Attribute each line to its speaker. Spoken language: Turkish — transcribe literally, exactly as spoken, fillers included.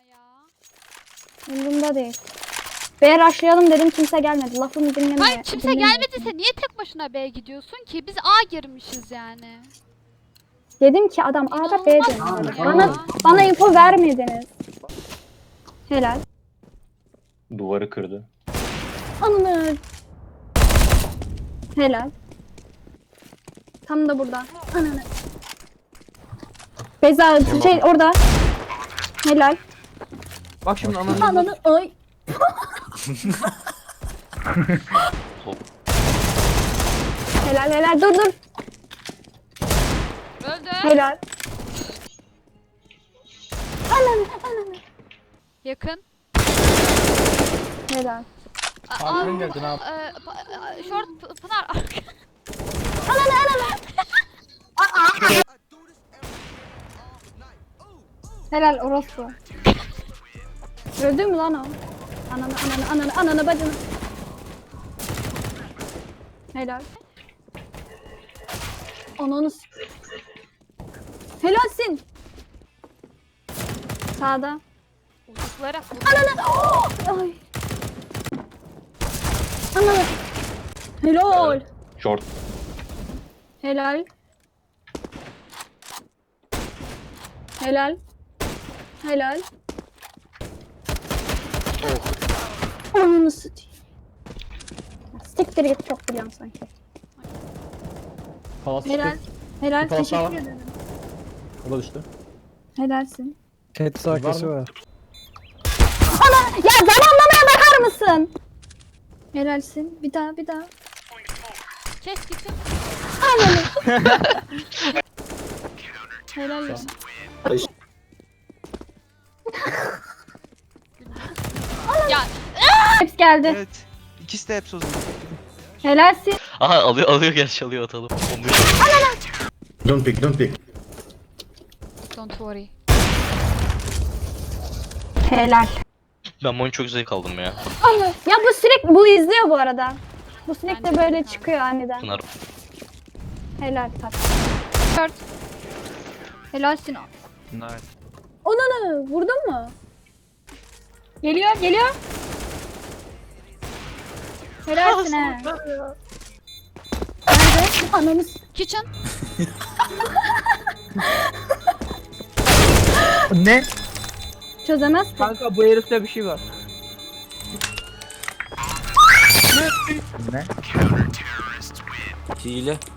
Speaker 1: ya.
Speaker 2: Umurumda değil. B'ye rushlayalım dedim, kimse gelmedi. Lafımı dinlemiyor.
Speaker 1: Hayır kimse gelmediyse niye tek başına B'ye gidiyorsun ki? Biz A girmişiz yani.
Speaker 2: Dedim ki adam A'da B
Speaker 1: İnanılmaz
Speaker 2: dönüyor.
Speaker 1: ya.
Speaker 2: Bana, bana info vermediniz. Helal.
Speaker 3: Duvarı kırdı.
Speaker 2: Ananı. Helal. Tam da burada. Ananı. Beyza şey orada. Helal.
Speaker 4: Bak şimdi ananı.
Speaker 2: Ananı ay. Helal helal dur dur.
Speaker 1: Öldü.
Speaker 2: Helal. Ananı ananı.
Speaker 1: Yakın.
Speaker 2: Helal.
Speaker 1: Aa,
Speaker 4: Arkadan geldi, ne yap-
Speaker 1: e, pa- e, Short P- Pınar.
Speaker 2: Ananı ananı. Helal orospu. Öldü mü lan o? Ananı ananı ananı ananı bacını. Helal. Ananı s- Helalsin. Sağda.
Speaker 1: Uzaklara.
Speaker 2: Ananı. Oh! Ay. Ananı. Helal.
Speaker 3: Short.
Speaker 2: Helal. Helal. Helal. Ananı satayım. Siktir git, çok biliyorum sanki.
Speaker 4: Palas
Speaker 2: Helal. Helal.
Speaker 4: Palas daha
Speaker 2: Teşekkür
Speaker 4: var.
Speaker 2: ederim.
Speaker 4: O da düştü.
Speaker 2: Helalsin.
Speaker 5: Tehdit arkası
Speaker 4: Var mı?
Speaker 5: var.
Speaker 2: Ana! Ya zamanlamaya bakar mısın? Helalsin. Bir daha bir daha.
Speaker 1: Kes gitsin.
Speaker 2: Helal olsun.
Speaker 1: Ya
Speaker 2: Hepsi geldi.
Speaker 6: Evet. İkisi de hepsi o zaman.
Speaker 2: Helalsin.
Speaker 7: Aha alıyor alıyor gerçi alıyor atalım.
Speaker 8: Don't pick, don't pick.
Speaker 1: don't worry.
Speaker 2: Helal.
Speaker 7: Ben bu oyunu çok zevk aldım ya.
Speaker 2: Ana. Ya bu sürekli bu izliyor bu arada. Bu sürekli
Speaker 1: Bence de
Speaker 2: böyle
Speaker 1: kanka.
Speaker 2: çıkıyor aniden.
Speaker 7: Pınar.
Speaker 2: Helal tat.
Speaker 1: Short.
Speaker 2: Helalsin.
Speaker 6: Nice.
Speaker 2: Onanı vurdun mu? Geliyor geliyor. Helalsin he. Nerede? Ananı s-
Speaker 1: Kitchen.
Speaker 5: Ne?
Speaker 2: çözemez ki.
Speaker 4: Kanka bu herifte bir şey var.
Speaker 5: Ne?
Speaker 6: Hile.